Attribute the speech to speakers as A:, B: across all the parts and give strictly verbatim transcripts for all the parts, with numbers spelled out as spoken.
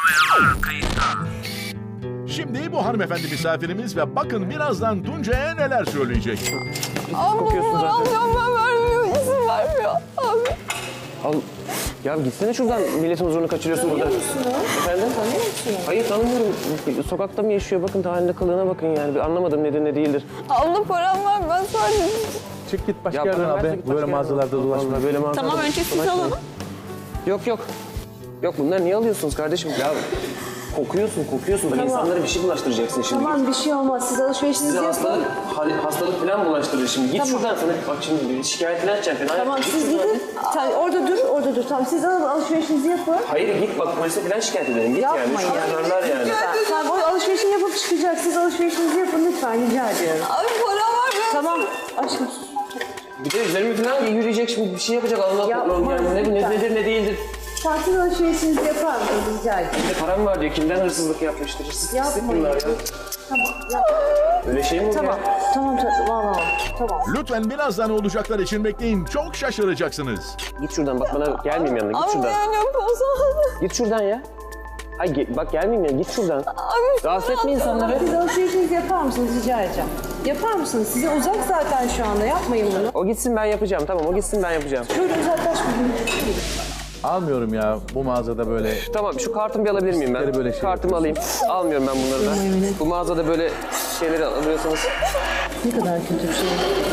A: Şimdi bu hanımefendi misafirimiz ve bakın birazdan Tuncay'a neler söyleyecek.
B: Abi
C: kokuyorsun zaten.
B: alacağım ben vermiyor. İzin vermiyor. Abi.
C: Al. Ya gitsene şuradan, milletin huzurunu kaçırıyorsun burada.
B: Tanıyor musun?
C: Efendim?
B: Tanıyor musun?
C: Hayır tanımıyorum. Sokakta mı yaşıyor? Bakın haline kılığına bakın yani. Bir anlamadım nedir ne değildir.
B: Abla param var ben sadece...
D: Çık git başka
C: Ya
D: yerden
C: bana
D: abi.
C: versene, git başka
D: Böyle
C: yerden.
D: mağazalarda dolaşma.
C: Vallahi böyle mağazalarda
B: Tamam önce siz
C: dolaşmayın.
B: alalım.
C: Yok yok. Yok bunları niye alıyorsunuz kardeşim? Ya kokuyorsun kokuyorsun. Bak insanlara bir şey bulaştıracaksın şimdi.
E: Tamam bir şey olmaz. Siz alışverişinizi
C: Size
E: yapın.
C: hastalık, hal- hastalık falan bulaştırır şimdi. Git şuradan sana. Bak şimdi şikayet falan edeceğim falan.
E: Tamam
C: Git
E: siz
C: şuradan.
E: gidin. Tamam, orada dur, orada dur. Tamam siz alın alışverişinizi yapın.
C: Hayır git bak polise falan şikayet edelim. Git
E: Yapmayın.
C: yani. Şunlarlar yani.
E: Tamam o alışverişini yapıp çıkacak. Siz alışverişinizi yapın lütfen rica ediyorum.
B: Abi param var ben...
E: Tamam aşkım.
C: Bir de üzerime falan yürüyecek şimdi bir şey yapacak. Allah
E: Yapma,
C: Allah yani ne, ne,
E: lütfen.
C: nedir ne değildir.
E: Tatil alışverişinizi yapar mısınız rica ediyorum.
C: Bir de param var diyor. Kimden hırsızlık yapmıştır? Hırsız pislik
E: Yapmayın.
C: bunlar ya.
E: Tamam yap.
C: Öyle şey mi olur
E: Tamam.
C: ya?
E: Tamam tamam tamam. Tamam.
A: Lütfen birazdan olacaklar için bekleyin. Çok şaşıracaksınız.
C: Git şuradan bak bana gelmeyeyim yanına. Git
B: Abi
C: şuradan.
B: yani yok olsa...
C: Git şuradan ya. Ay ge- bak gelmeyeyim ya. Git şuradan.
B: Abi
C: Rahatsız etme insanları.
E: Siz alışverişinizi yapar mısınız rica edeceğim. Yapar mısınız? Size uzak zaten şu anda. Yapmayın bunu.
C: O gitsin ben yapacağım. Tamam o gitsin ben yapacağım.
E: Şöyle uzaklaşmayın.
D: Almıyorum ya bu mağazada böyle.
C: Tamam şu kartımı bir alabilir miyim ben?
D: Böyle böyle şey
C: Kartımı alayım. Almıyorum ben bunları da. Bu mağazada böyle şeyleri alıyorsanız.
E: Ne kadar kötü bir şey.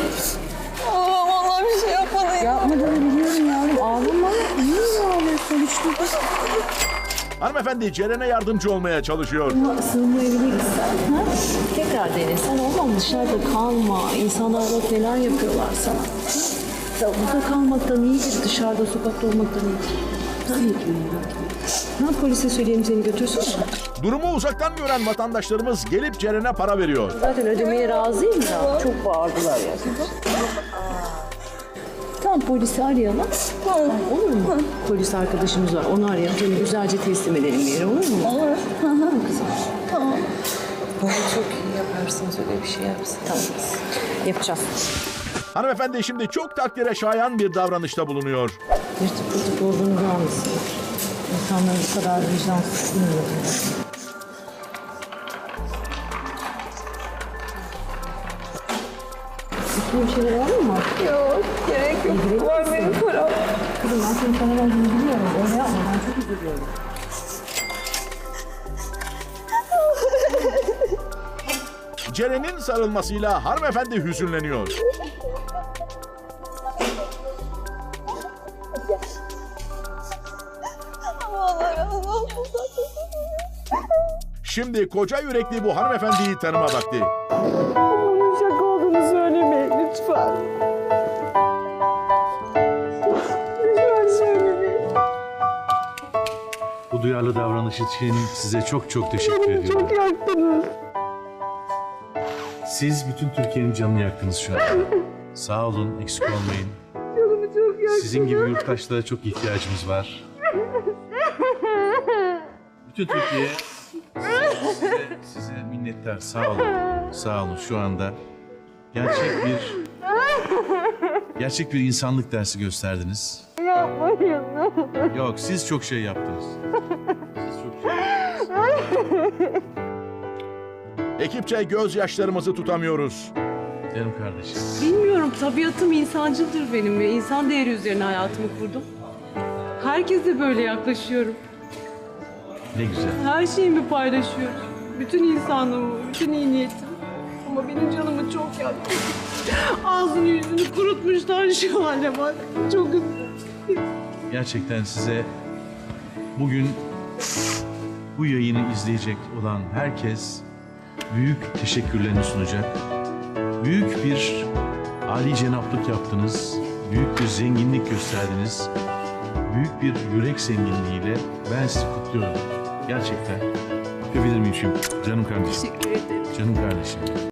B: Allah vallahi bir şey yapmadın.
E: Yapmadığını biliyorum yavrum. Ağlama. Niye ağlıyorsun? Hiç dur.
A: Hanımefendi Ceren'e yardımcı olmaya çalışıyor.
E: Sığınmayabiliriz. Ha? Tekrar dene. Sen olmam dışarıda kalma. İnsanlar bak neler yapıyorlar sana. Ya burada kalmaktan iyidir. Dışarıda sokakta olmaktan iyidir. Tabii ki. Ne polise söyleyeyim seni götürsün mü?
A: Durumu uzaktan gören vatandaşlarımız gelip Ceren'e para veriyor.
E: Zaten ödemeye razıyım da. Çok bağırdılar ya. Tamam polisi arayalım.
B: Tamam.
E: Olur mu? Polis arkadaşımız var. Onu arayalım. Seni güzelce teslim edelim bir yere. Olur mu?
B: Olur.
E: Tamam kızım.
B: Tamam.
E: Çok iyi yaparsınız. Öyle bir şey yapsın. Tamam. Yapacağız.
A: Hanımefendi şimdi çok takdire şayan bir davranışta bulunuyor.
E: Yırtık pırtık olduğunu görmesin. İnsanlar bu kadar vicdansız bilmiyor. Bir şeyler var mı?
B: Yok gerek yok. Var benim param.
E: Kızım ben senin sana verdiğini biliyorum. Öyle yapma. Ben çok üzülüyorum.
A: Ceren'in sarılmasıyla hanımefendi hüzünleniyor.
B: Allah razı olsun.
A: Şimdi koca yürekli bu hanımefendiyi tanıma vakti.
E: Bunun şaka olduğunu söylemeyin lütfen. Lütfen söylemeyin.
F: Bu duyarlı davranış için size çok çok teşekkür ediyorum.
E: Çok yaktınız.
F: Siz bütün Türkiye'nin canını yaktınız şu an. Sağ olun, eksik olmayın.
E: Canımı çok yaktınız.
F: Sizin gibi yurttaşlara çok ihtiyacımız var. Bütün Türkiye size, size minnettar. Sağ olun. Sağ olun şu anda. Gerçek bir gerçek bir insanlık dersi gösterdiniz.
E: Yapmayın.
F: Yok, siz çok şey yaptınız. Siz çok şey yaptınız.
A: Ekipçe gözyaşlarımızı tutamıyoruz.
F: Canım kardeşim.
G: Bilmiyorum, tabiatım insancıldır benim ve insan değeri üzerine hayatımı kurdum. Herkese böyle yaklaşıyorum.
F: Ne güzel.
G: Her şeyimi paylaşıyorum. Bütün insanlığımı, bütün iyi niyetim. Ama benim canımı çok yaktı. Ağzını yüzünü kurutmuşlar şu hale bak. Çok üzüldüm.
F: Gerçekten size bugün bu yayını izleyecek olan herkes büyük teşekkürlerini sunacak. Büyük bir âli cenaplık yaptınız. Büyük bir zenginlik gösterdiniz. Büyük bir yürek zenginliğiyle ben sizi kutluyorum. Gerçekten. Öpebilir miyim şimdi? Canım kardeşim.
G: Teşekkür ederim.
F: Canım kardeşim.